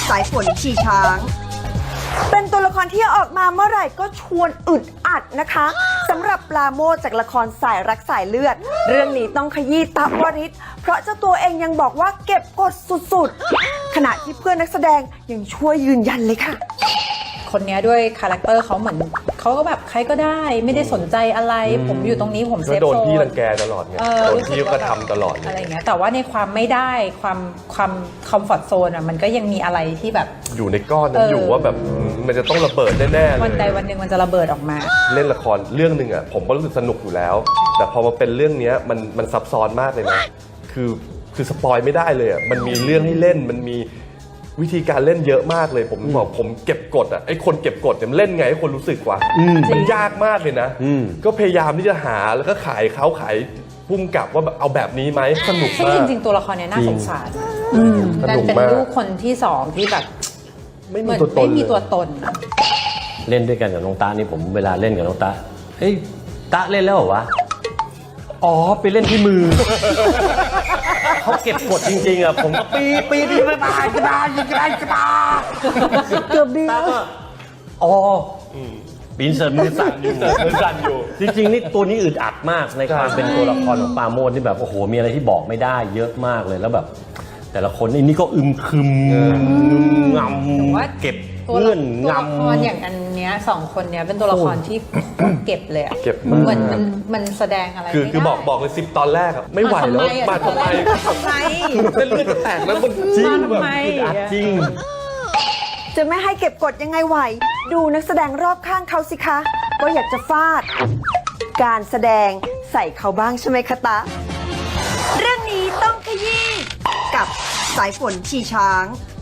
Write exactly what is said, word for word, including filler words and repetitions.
สายฝนขี่ช้างเป็นตัวละครที่ออกมาเมื่อไหร่ก็ชวนอึดอัดนะคะสำหรับปราโมชจากละครสายรักสายเลือดเรื่องนี้ต้องขยี้ตะวริศเพราะเจ้าตัวเองยังบอกว่าเก็บกดสุดๆขณะที่เพื่อนนักแสดงยังช่วยยืนยันเลยค่ะคนนี้ด้วยคาแรคเตอร์เขาเหมือนเขาก็แบบใครก็ได้ไม่ได้สนใจอะไรผมอยู่ตรงนี้ผมเซฟโซนโดนพี่รังแกตลอดไงโดนพี่ก็ทำตลอดอะไรเงี้ยแต่ว่าในความไม่ได้ความความคอมฟอร์ทโซนอ่ะมันก็ยังมีอะไรที่แบบอยู่ในก้อนนั้นอยู่ว่าแบบมันจะต้องระเบิดแน่ๆเลยวันใดวันหนึ่งมันจะระเบิดออกมาเล่นละครเรื่องหนึ่งอ่ะผมก็รู้สึกสนุกอยู่แล้วแต่พอมาเป็นเรื่องนี้มันมันซับซ้อนมากเลยนะคือคือสปอยไม่ได้เลยอ่ะมันมีเรื่องให้เล่นมันมีวิธีการเล่นเยอะมากเลยผมบอกผมเก็บกดอ่ะไอ้คนเก็บกดเนี่ยเล่นไงให้คนรู้สึกว่ามันยากมากเลยนะก็พยายามที่จะหาแล้วก็ขายเขาขายพุ่มกับว่าเอาแบบนี้ไหมสนุกมากจริงๆตัวละครเนี่ยน่าสงสารแต่เป็นลูกคนที่สองที่แบบไม่มีตัวตนไม่มีตัวตนเล่นด้วยกันกับน้องตานี่ผมเวลาเล่นกับน้องตาเฮ้ยตาเล่นแล้วเหรอวะอ๋อไปเล่นที่มือเขาเก็บกดจริงๆอ่ะผมก็ปีปีปีไปตายกระดานกระดานกระดาเกือบดีแล้วอ๋อปีนเสริมมือสั่นอยู่มือสั่นอยู่จริงๆนี่ตัวนี้อึดอัดมากในความเป็นตัวละครของปราโมชที่แบบโอ้โหมีอะไรที่บอกไม่ได้เยอะมากเลยแล้วแบบแต่ละคนนี่นี่ก็อึมครึมงำเก็บเงื่อนงำตัวละครอย่างอันเนี้ยสองคนเนี้ยเป็นตัวละครที่เก็บเลยอะเก็บเหมือนมันมันแสดงอะไรคือคือบอกบอกเลยสิบตอนแรกอะไม่ไหวแล้วมาทำไมทำไมเส้นเลือดจะแตกแล้วมันจริงแบบจริงจะไม่ให้เก็บกดยังไงไหวดูนักแสดงรอบข้างเขาสิคะก็อยากจะฟาดการแสดงใส่เขาบ้างใช่ไหมคะตาเรื่องนี้ต้องขยี้กับสายฝนขี่ช้าง